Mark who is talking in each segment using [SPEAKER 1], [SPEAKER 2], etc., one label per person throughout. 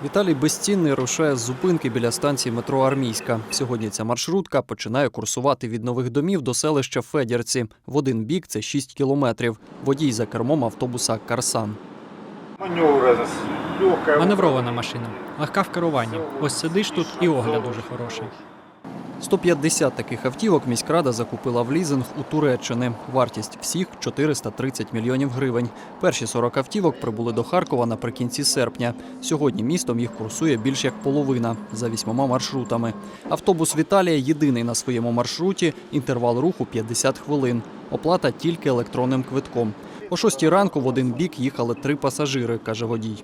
[SPEAKER 1] Віталій Безцінний рушає з зупинки біля станції метро «Армійська». Сьогодні ця маршрутка починає курсувати від Нових Домів до селища Федірці. В один бік – це 6 кілометрів. Водій за кермом автобуса «Карсан».
[SPEAKER 2] Маневрована машина, легка в керуванні. Ось сидиш тут і огляд дуже хороший.
[SPEAKER 1] 150 таких автівок міськрада закупила в лізинг у Туреччини. Вартість всіх – 430 мільйонів гривень. Перші 40 автівок прибули до Харкова наприкінці серпня. Сьогодні містом їх курсує більш як половина – за 8 маршрутами. Автобус Віталія єдиний на своєму маршруті, інтервал руху – 50 хвилин. Оплата тільки електронним квитком. О 6 ранку в один бік їхали 3 пасажири, каже водій.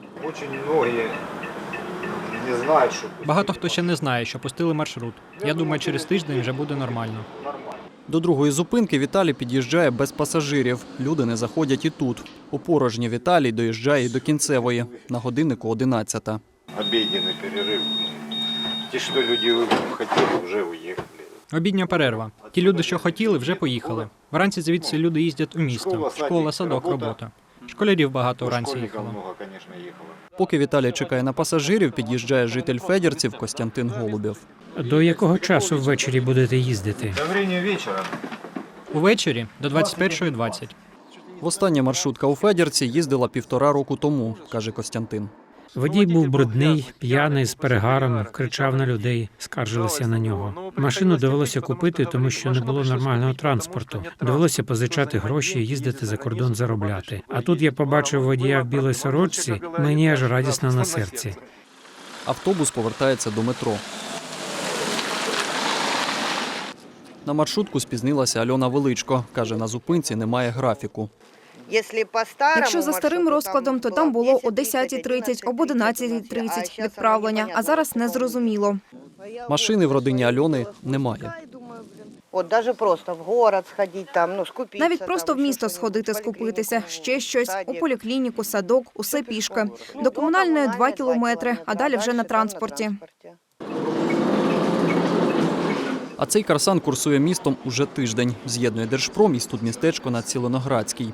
[SPEAKER 2] Багато хто ще не знає, що пустили маршрут. Я думаю, через тиждень вже буде нормально.
[SPEAKER 1] До другої зупинки Віталій під'їжджає без пасажирів. Люди не заходять і тут. У порожній Віталій доїжджає і до кінцевої. На годиннику 11-та.
[SPEAKER 3] Обідній перерив. Ті, що люди хотіли, вже уїхали.
[SPEAKER 2] Обідня перерва. Ті люди, що хотіли, вже поїхали. Вранці звідси люди їздять у місто. Школа, садок, робота. Школярів багато вранці їхало.
[SPEAKER 1] Поки Віталій чекає на пасажирів, під'їжджає житель Федірців Костянтин Голубєв.
[SPEAKER 4] До якого часу ввечері будете їздити?
[SPEAKER 3] До времени вечора.
[SPEAKER 2] Увечері до 21:20.
[SPEAKER 1] Востаннє маршрутка у Федірці їздила 1,5 року тому, каже Костянтин.
[SPEAKER 4] Водій був брудний, п'яний, з перегаром, кричав на людей, скаржилися на нього. Машину довелося купити, тому що не було нормального транспорту. Довелося позичати гроші і їздити за кордон заробляти. А тут я побачив водія в білій сорочці, мені аж радісно на серці.
[SPEAKER 1] Автобус повертається до метро. На маршрутку спізнилася Альона Величко. Каже, на зупинці немає графіку.
[SPEAKER 5] Якщо за старим розкладом, то там було о 10:30, об 11:30 відправлення, а зараз незрозуміло.
[SPEAKER 1] Машини в родині Альони немає.
[SPEAKER 5] Навіть просто в місто сходити, скупитися, ще щось, у поліклініку, садок, усе пішки. До комунальної 2 кілометри, а далі вже на транспорті.
[SPEAKER 1] А цей «Карсан» курсує містом уже тиждень. З'єднує Держпром і студмістечко на Цілиноградській.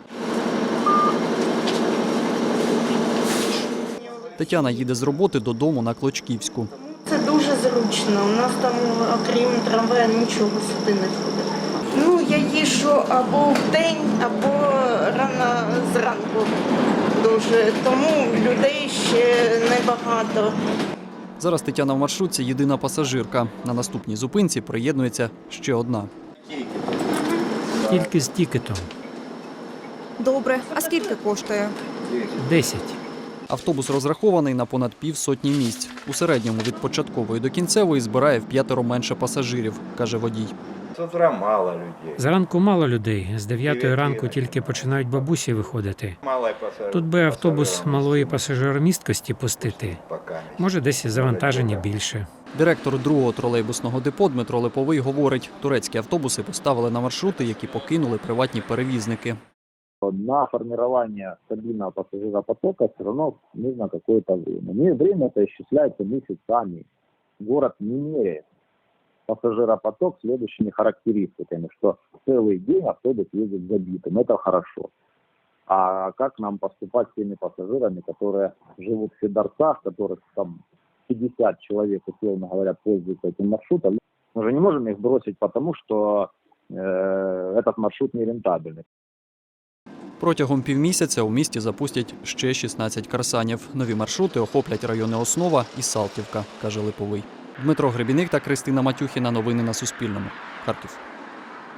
[SPEAKER 1] Тетяна їде з роботи додому на Клочківську.
[SPEAKER 6] Це дуже зручно. У нас там, окрім трамвая, нічого сюди не ходить. Я їжджу або вдень, або рано зранку дуже. Тому людей ще небагато.
[SPEAKER 1] Зараз Тетяна в маршрутці єдина пасажирка. На наступній зупинці приєднується ще одна.
[SPEAKER 4] Тільки з тікетом.
[SPEAKER 5] Добре, а скільки коштує?
[SPEAKER 4] 10.
[SPEAKER 1] Автобус розрахований на понад 50 місць. У середньому від початкової до кінцевої збирає в 5 менше пасажирів, каже водій.
[SPEAKER 3] З утра мало людей.
[SPEAKER 4] Зранку мало людей. З 9 ранку тільки починають бабусі виходити. Тут би автобус малої пасажиромісткості пустити. Може, десь завантаження більше.
[SPEAKER 1] Директор другого тролейбусного депо Дмитро Липовий говорить, турецькі автобуси поставили на маршрути, які покинули приватні перевізники.
[SPEAKER 7] На формирование стабильного пассажиропотока все равно нужно какое-то время. Время это исчисляется месяцами. Город не меряет пассажиропоток следующими характеристиками, что целый день автобус ездит забитым. Это хорошо. А как нам поступать с теми пассажирами, которые живут в Федорцах, которых там 50 человек, условно говоря, пользуются этим маршрутом? Мы же не можем их бросить, потому что этот маршрут нерентабельный.
[SPEAKER 1] Протягом півмісяця у місті запустять ще 16 «Карсанів». Нові маршрути охоплять райони Основа і Салтівка, каже Липовий. Дмитро Гребіник та Кристина Матюхіна. Новини на Суспільному. Харків.